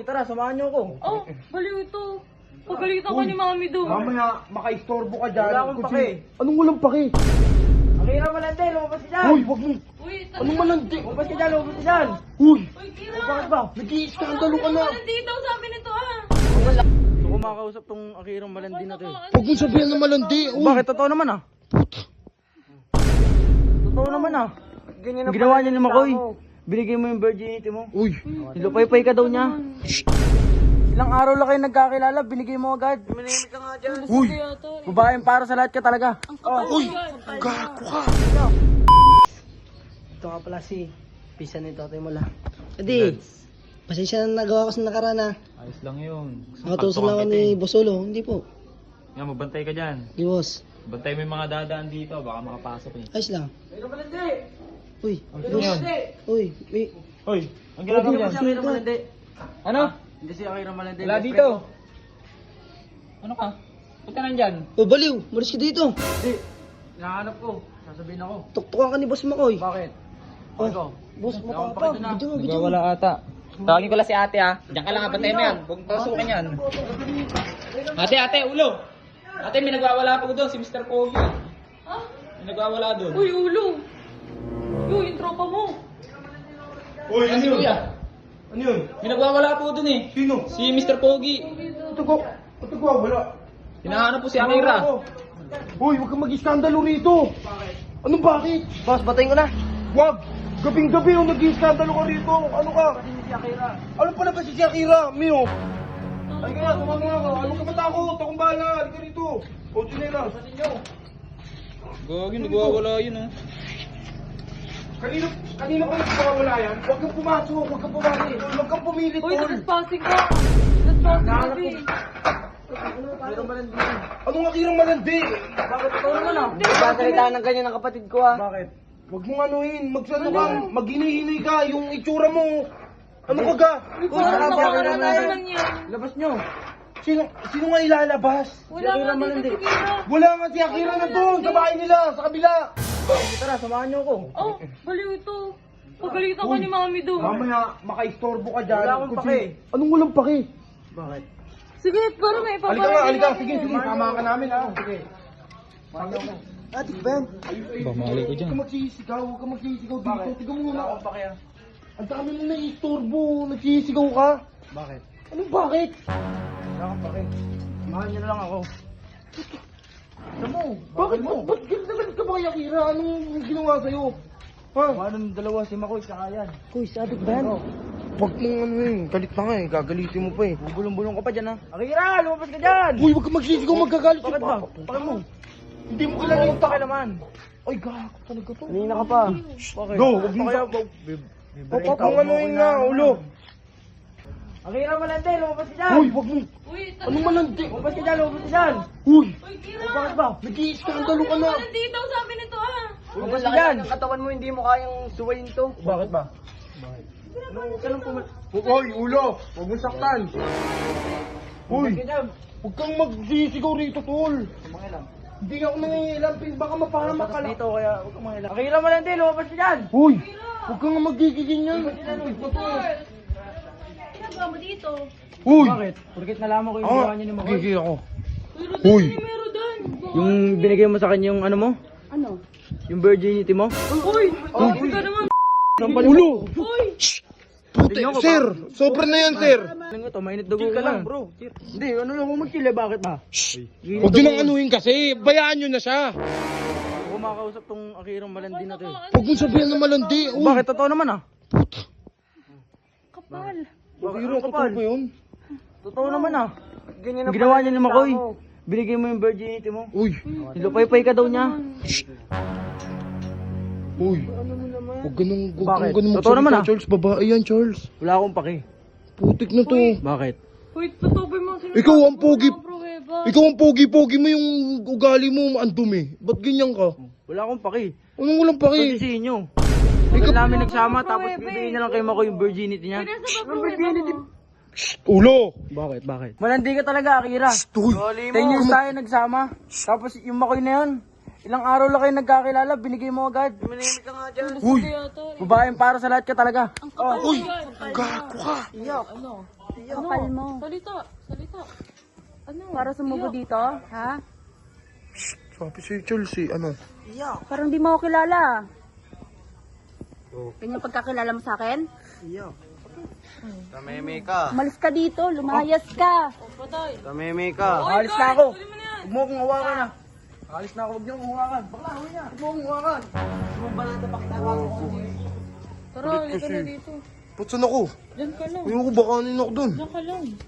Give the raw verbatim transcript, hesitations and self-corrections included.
tara, samahan niyo ako. Oh, baliw ito. Pagalitan ka ni Mami doon. Mamaya, makaistorbo ka dyan. Wala akong Kung pake. si- Anong walang pake? Ang hirap malandi, lumabas ka dyan. Uy, wag mo. Uy, ta- Anong malandi? Lumabas ka dyan, lumabas ka dyan. Uy, Uy, Kira. O, bakit ba? nag-i-skandalo ka na. Malandi daw sabi nito ah. Gusto ko makakausap tong akirang malandi na to eh. Huwag mo sabihan na malandi. Uy, Bakit? Totoo naman ah. Totoo naman ah. Ang ginawa niya ni Makoy. Binigay mo yung virginity mo. Uy, Nilupay-pay ka daw niya. Ilang araw lang kayo nagkakilala, binigay mo agad. Minimik ka nga dyan. uy, Kaya to. Babaeng para sa lahat ka talaga. uy, gago ka. Ito ka pala si Pisa ni Totoy Mola. Adi, pasensya na nagawa ko sa nakaraan ha. Ayos lang yun. Nakatusan lang ako ni Bosolo. Hindi po. Nga, magbantay ka dyan. Di boss. Bantay mo yung mga dadaan dito, baka makapasok eh. Ayos lang. Uy, Ano yun? uy, uy. Hoy, ang ginagawa Hindi dyan? si akirang malandi. Ano? Hindi si akirang malandi. Wala dito. Ano ka? Punta na dyan. Oh, baliw, malis ka dito. Hindi. Hinahanap ko. Sasabihin ako. Tuktukan ka ni Boss Makoy. Bakit? Oh, Ikaw. Boss, Wala akong matapa. pakita na. Bidyo mo, bidyo mo. Nagwawala ata. Tawagin ko lang si ate ha. Diyan ka lang ha, bantay mo yan. Huwag pasukin yan. Ate, ate, ulo. Ate, may nagwawala po doon, si mister Kobe. Ah? May nagwawala doon. Uy, ulo. Uy, yung tropa mo. Uy, Ano si kuya? Ano yun? May nagwawala po doon eh. Sino? Si mister Pogi. Ito ko. Ito ko, wala. Hinahanap po si Akira. Uy, huwag kang mag-iskandalo rito. Anong bakit? Boss, batayin ko na. Wag! Gabing-gabi yung nag-iskandalo ka rito. Ano ka? Si Akira. Ano pala ba si Akira? Mio? Ay ka na, tumama nga ka. Ano ka matakot? Akong bahala. Halika rito. O, Junela. Gagi, nagwawala yun oh. Kanina, kanina pa nagpapawala yan. Huwag kang pumasok. Huwag kang pumali. Huwag kang pumilit, Uy, tol. nagpaspasing ka. Nagpaspasing kami. Akirang malandi. Anong akirang malandi? Bakit? Totoo naman ah. Nagkakalitaan ng ganyan ng kapatid ko ha. Bakit? Huwag mong anuhin. Magsano ka. Maghinihinay ka. Yung itsura mo. Ano ka ga? Uy, parang Uy, nakaraan Akira naman yan. Labas nyo. Sino, sino nga ilalabas? Wala Akira nga malandi. dito si Kira. Wala nga si Akira na doon. Sa bahay nila. Sa kabila. Tara, samahan niyo ako. Oh, baliw ito. Pagalitan ka ni Mami doon. Mamaya, makaistorbo ka dyan. Wala akong Kung pake. si- Anong walang pake? Bakit? Sige, para may Halika nga, ipapalagay halika. namin Sige, yan. sige. Sama ka namin ha. Sige. Ate ba yan? Pamali ko Huwag dyan. ka magsisigaw. Huwag ka magsisigaw dito. Bakit? Tiga mo Wala muna. akong pake ah. Ang dami mo naiistorbo. Nagsisigaw ka. Bakit? Anong bakit? Wala akong pake. Samahan niyo na lang ako. Ano mo? Bakit mo? Ba't galit ka ba kay Akira? Anong ginawa sa'yo? Ha? Anong dalawa si Makoy tsaka yan? Kuy, sabi ba yan? Huwag mong ano eh. Galit na nga eh. Gagalitin mo pa eh. Bubulong-bulong ka pa dyan ha. Akira, lumabas ka dyan! Uy, huwag ka magsisigaw. Magkagalit Bakit ba? Bakit mo? Hindi mo kilala yung Pake naman. Ay, gago talaga to. Kanina ka pa. Bakit? Go, huwag mo Kaya, sa- Huwag Huwag mong anuhin na, ulo. Akira malandi, lumabas ka dyan! Uy, huwag mo. Uy, ta- Anong malandi? Lumabas ka dyan, lumabas ka dyan! Uy, Uy, Kira. Bakit ba? nag-iiskandalo ka na. Malandi daw sabi nito ah. Lumabas ka dyan! katawan mo, hindi mo kayang suwayin to. Bakit ba? Huwag ka lang pumal... Uy, ulo. Huwag mo saktan. Uy, Lumabas ka dyan! huwag kang magsisigaw rito, tol. Mga lang. Hindi ako nangingilam, pin. Baka mapahamak ka lang. Dito kaya huwag kang mga Akira malandi, lumabas ka dyan! Uy, huwag kang magigigin yan. Ginagawa mo dito. Uy, Bakit? Porkit nalaman ko yung ako, ginawa niya ni Makoy. gigil ako. Uy, Uy. Rodan, meron doon. Yung binigay mo sa kanya yung ano mo? Ano? Yung virginity mo? Uy, oh, ka naman. Ulo. Uy, Pute, Tingnan ko, sir. Sobra na yan, sir. Ano nga to? Mainit dugo ka lang, bro. Hindi, ano lang kung mag-chill eh, bakit ba? Huwag yun ang anuhin kasi. Bayaan nyo na siya. Ako kumakausap tong akirang malandi na to eh. Huwag mo sabihan na malandi. Uy, Bakit? Totoo naman ah. kapal. Bakit Biro ang ko kapal? po yun. Totoo naman ah. Ang ginawa niya ni Makoy. Binigay mo yung virginity mo. Uy, Nilupay-pay ka daw niya. uy. Huwag ganun, huwag Bakit? kang ganun Totoo naman, magsalita, ah. Charles. Babae yan, Charles. Wala akong pake. Putik na to. Bakit? Uy, totoo ba yung mga sinasabi Ikaw ang mo pogi. na pruweba? Ikaw ang pogi-pogi mo, yung ugali mo, ang dumi. Ba't ganyan ka? Wala akong pake. Anong walang paki? Pwede inyo. Ikaw namin nagsama tapos bibigyan niya lang kay Makoy yung virginity niya. Pinasa ba pruweba mo? Ulo! Bakit? Bakit? Malandi ka talaga, Akira. Uy! Ten years tayo nagsama. Tapos yung Makoy na yun, ilang araw lang kayo nagkakilala, binigay mo agad. Minimik ka nga dyan. Uy! Kaya to. Babaeng para sa lahat ka talaga. Uy! Gago ka! Ano? Kapal mo. Salita, salita. Ano? Para sumubo dito, ha? Sabi si Chelsea, ano? Parang di mo ako kilala. Ganyan pagkakilala mo sa akin? Tameme ka. Umalis ka dito, lumayas ka. Patay. Tameme ka. Oy, Alis na guys, ako. tuloy mo na yan. Huwag mo akong hawakan na. Alis na ako. Huwag niyo akong hawakan. Bakla, huwag niya. Huwag mo akong hawakan. Tara, halika na dito. Ba't saan ako? Diyan ka lang. Ayoko, baka ano ako dun. Diyan ka lang.